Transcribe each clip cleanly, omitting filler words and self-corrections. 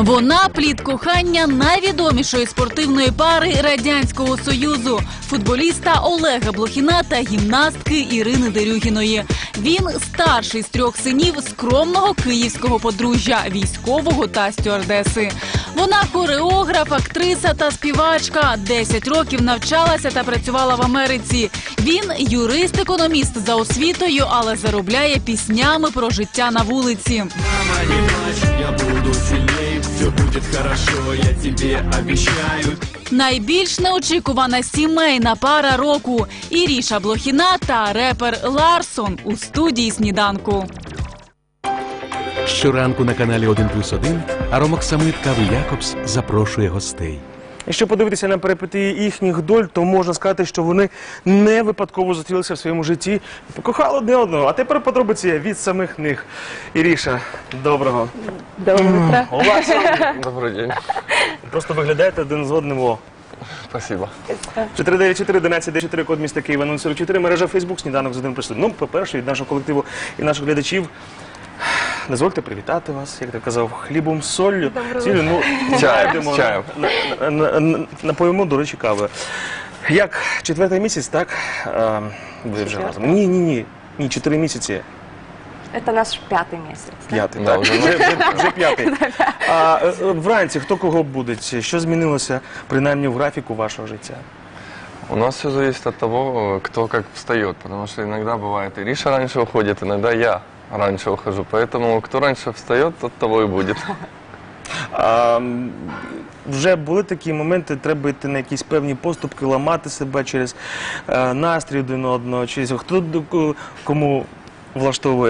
Вона – плід кохання найвідомішої спортивної пари Радянського Союзу – футболіста Олега Блохіна та гімнастки Ірини Дерюгіної. Він – старший з 3 синів скромного київського подружжя – військового та стюардеси. Вона – хореограф, актриса та співачка. 10 років навчалася та працювала в Америці. Він – юрист-економіст за освітою, але заробляє піснями про життя на вулиці. Мама, не плачь, я буду сильней, все будет хорошо, я тебе обещаю. Найбільш неочікувана сімейна пара року – Іріша Блохіна та репер Ларсон у студії «Сніданку». Щоранку на каналі 1+1 Аромоксамит Кави Якобс запрошує гостей. Якщо подивитися на перипетії їхніх доль, то можна сказати, що вони не випадково зустрілися в своєму житті і покохали одне одного. А тепер подробиці від самих них. Іріша, доброго. Доброе утро. У вас Добрый день. просто виглядаєте один з одним. О. Спасибо. 494-11-4, код міста Києва 044, мережа Фейсбук, сніданок з 1+1. Ну, по-перше, від нашого колективу і наших глядачів. Дозвольте привітати вас, як ти казав, хлібом, соллю. Цілю, ну, Чаєм, з чаєм. Напоїмо, до речі, кави. Як 4-й місяць, так? Ви вже разом. Ні, 4 місяці. Это наш 5-й месяц. Да? 5-й, Да, так. вже Вже 5-й. А вранці хто кого буде? Що змінилося, принаймні, в графіку вашого життя? У нас все зависит от того, кто как встает, потому что иногда бывает Ириша раньше уходит, иногда я раньше ухожу, поэтому кто раньше встает, тот того и будет. Вже були такі моменти, треба йти на якісь певні поступки, ламати себе через настрій один одного, через хто кому влаштовує.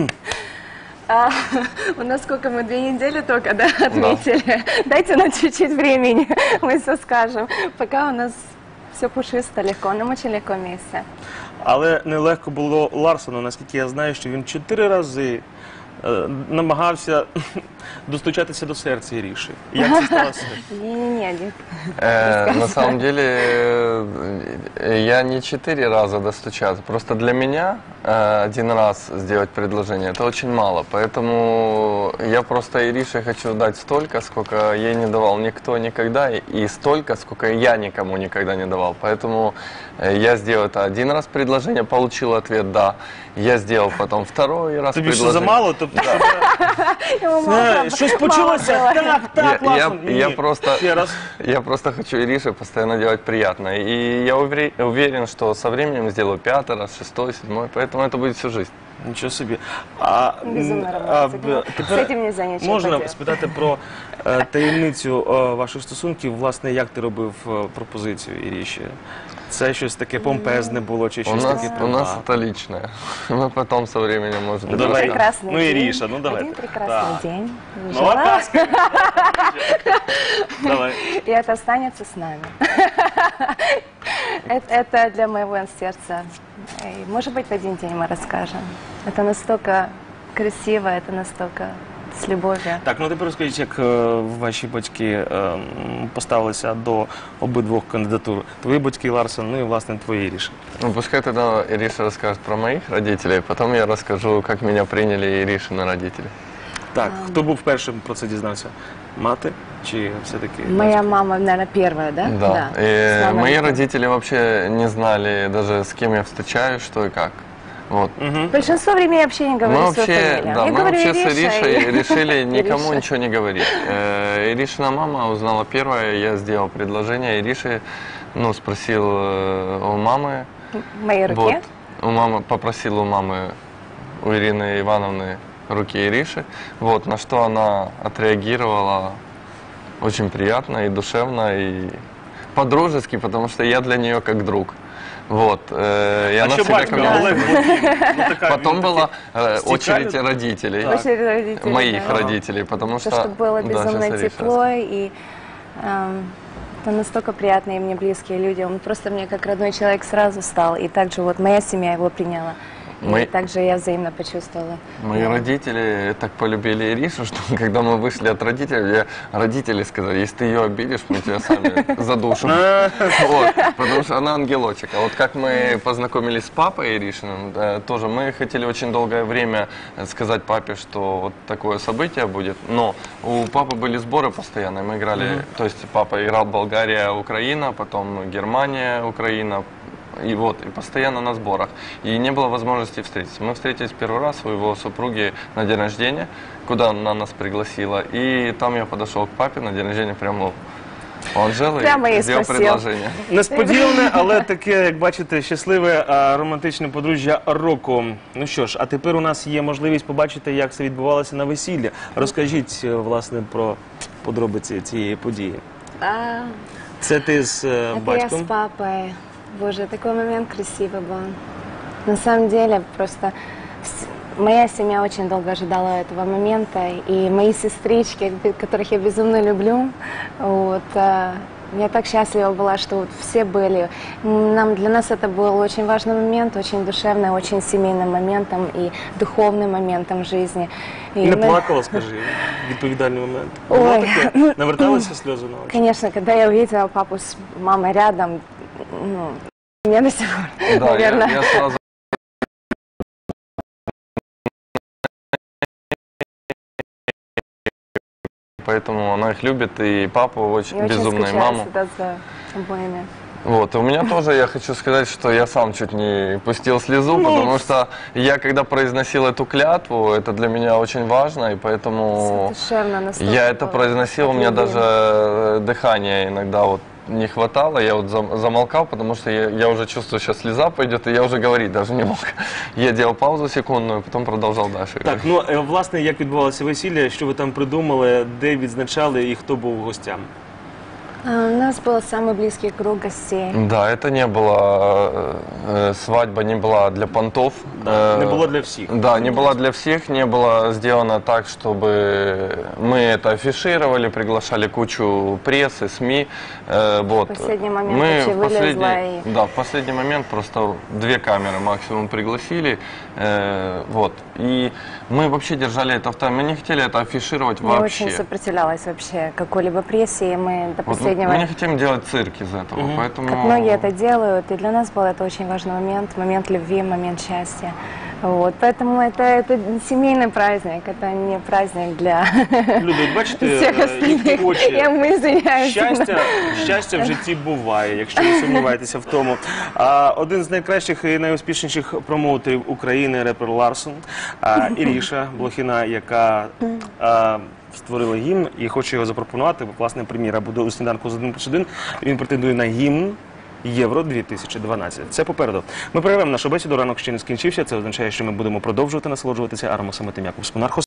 У нас сколько мы 2 недели только, да, отметили. Дайте нам чуть-чуть времени, мы все скажем. Пока у нас все пушисто, легко, нам очень легко вместе. Але нелегко було Ларсону, наскільки я знаю, що він 4 рази намагався достучатися до серця Іріші. Як це сталося? Не-не-не, На самом деле, я не 4 раза достучаться. Просто для меня 1 раз сделать предложение – это очень мало. Поэтому я просто Ирише хочу дать столько, сколько ей не давал никто никогда, и столько, сколько я никому никогда не давал. Поэтому я сделал это 1 раз предложение, получил ответ «да». Я сделал потом 2-й раз Тобі що, предложение. замало? Тобто, щось почалося? Так, Ларсон. Я просто хочу Ирише постоянно делать приятное. И я уверен, что со временем сделаю 5-й раз, 6-й, 7-й, поэтому это будет всю жизнь. Нічого собі. Безумно романтично. З цим нельзя нічого можна поделать. спитати про таємницю ваших стосунків, власне, як ти робив пропозицію Іріші? Це щось таке помпезне було, чи щось таке? У нас это личное. Мы потом со временем, может быть, Давай. Прекрасный Ну, день. Ириша, ну давай. Один прекрасный день. Ну, Жила, ласка. Давай. и это останется с нами. Это для моего сердца. И, может быть, в один день мы расскажем. Это настолько красиво, это настолько с любовью. Так, ну тепер розкажіть, як ваші батьки поставилися до обидвох кандидатур. Твої батьки, Ларсон, ну і, власне, твої Іріші. Ну, пускай тогда Ириша расскажет про моих родителей, потом я расскажу, как меня приняли Иришины родители. Так, хто був першим про це дізнався? Мати чи все-таки? Моя мама, наверное, первая, да? Да. С И мамой. мои родители вообще не знали даже, с кем я встречаюсь, что и как. Вот. Большинство времени я вообще не говорю свою фамилию. Да, Я мы говорю вообще с Ириша, Иришей и- решили никому Ириша. ничего не говорить. Иришина мама узнала первая, я сделал предложение Ирише, ну, спросил у мамы. В моей руке. Вот, попросил у мамы, у Ирины Ивановны руки Ириши, вот, на что она отреагировала очень приятно и душевно, и по-дружески, потому что я для нее как друг. Вот, и А она що всегда батько ко мне- Олег Блохін? Ну, така, Потом він была такий очередь стікальний. родителей, Наши родители, моих да. родителей, потому что... То, что было Да, безумно щас Ириша тепло, и это настолько приятные мне близкие люди. Он просто мне как родной человек сразу стал. И также вот моя семья его приняла. Мы- также я взаимно почувствовала. Мои родители так полюбили Иришу, что когда мы вышли от родителей, родители сказали, если ты ее обидишь, мы тебя сами задушим. Вот, потому что она ангелочек. А вот как мы познакомились с папой Иришиным, тоже мы хотели очень долгое время сказать папе, что вот такое событие будет, но у папы были сборы постоянные, мы играли, то есть папа играл Болгария, Украина, потом Германия, Украина, и вот, и постоянно на сборах. И не было возможности встретиться. Мы встретились первый раз у его супруги на день рождения, куда она нас пригласила. И там я подошел к папе на день рождения, прямо Анжели, Прямо и и сделал спросил. предложение. Несподіване, але таке, як бачите, щасливе романтичне подружжя року. Ну що ж, а тепер у нас є можливість побачити, як це відбувалося на весіллі. Розкажіть, власне, про подробиці цієї події. А, Це ти з это я с батьком? папой. Боже, такой момент красивый был. На самом деле, просто моя семья очень долго ожидала этого момента, и мои сестрички, которых я безумно люблю, вот, я так счастлива была, что вот все были. Для нас это был очень важный момент, очень душевный, очень семейным моментом и духовным моментом в жизни. И Не мы- плакала, скажи, відповідальний момент. Ой. Було таке? Наверталися сльози на очі? Конечно, когда я увидела папу с мамой рядом, ну, мне до сих пор, Да, наверное. я сразу... Поэтому она их любит, и папу очень Я очень безумно, и скучаю маму. всегда за обоими. Вот, и у меня тоже, я хочу сказать, что я сам чуть не пустил слезу, потому что я, когда произносил эту клятву, это для меня очень важно, и поэтому Душевно настолько. я это произносил, у меня от любви. даже дыхания иногда вот не хватало, я вот замолкал, потому что я уже чувствую, сейчас слеза пойдет, и я уже говорить даже не мог. Я делал паузу секундную, потом продолжал дальше. Так, ну, власне, як відбувалося весілля, що ви там придумали, де відзначали і хто був гостям? У нас был самый близкий круг гостей. Да, это не было, свадьба не была для понтов. Не було для всіх. Да, не была для всех, не было сделано так, чтобы мы это афишировали, приглашали кучу прессы, СМИ. Вот. В последний момент Мы вообще в вылезла последний, и- да, в последний момент просто 2 камеры максимум пригласили. Вот. И мы вообще держали это в тайне. Мы не хотели это афишировать Я вообще. очень сопротивлялась вообще какой-либо прессе, и мы до Вот, последнего... мы не хотим делать цирк из этого, поэтому... Как многие это делают, и для нас был это очень важный момент любви, момент счастья. Вот, поэтому это семейный праздник, это не праздник для Люди, от бачите, всех їхні остальных. очі. Мы извиняюсь. Щастя в житті буває, якщо ви сумніваєтеся в тому. Один з найкращих і найуспішніших промоутерів України, репер Ларсон, Іріша Блохіна, яка створила гімн і хоче його запропонувати. Власне, прем'єра буде у сніданку з 1+1. Він претендує на гімн Євро 2012. Це попереду. Ми перервемо нашу бесіду, ранок ще не скінчився. Це означає, що ми будемо продовжувати насолоджуватися аромасамитим Якобс Монархос.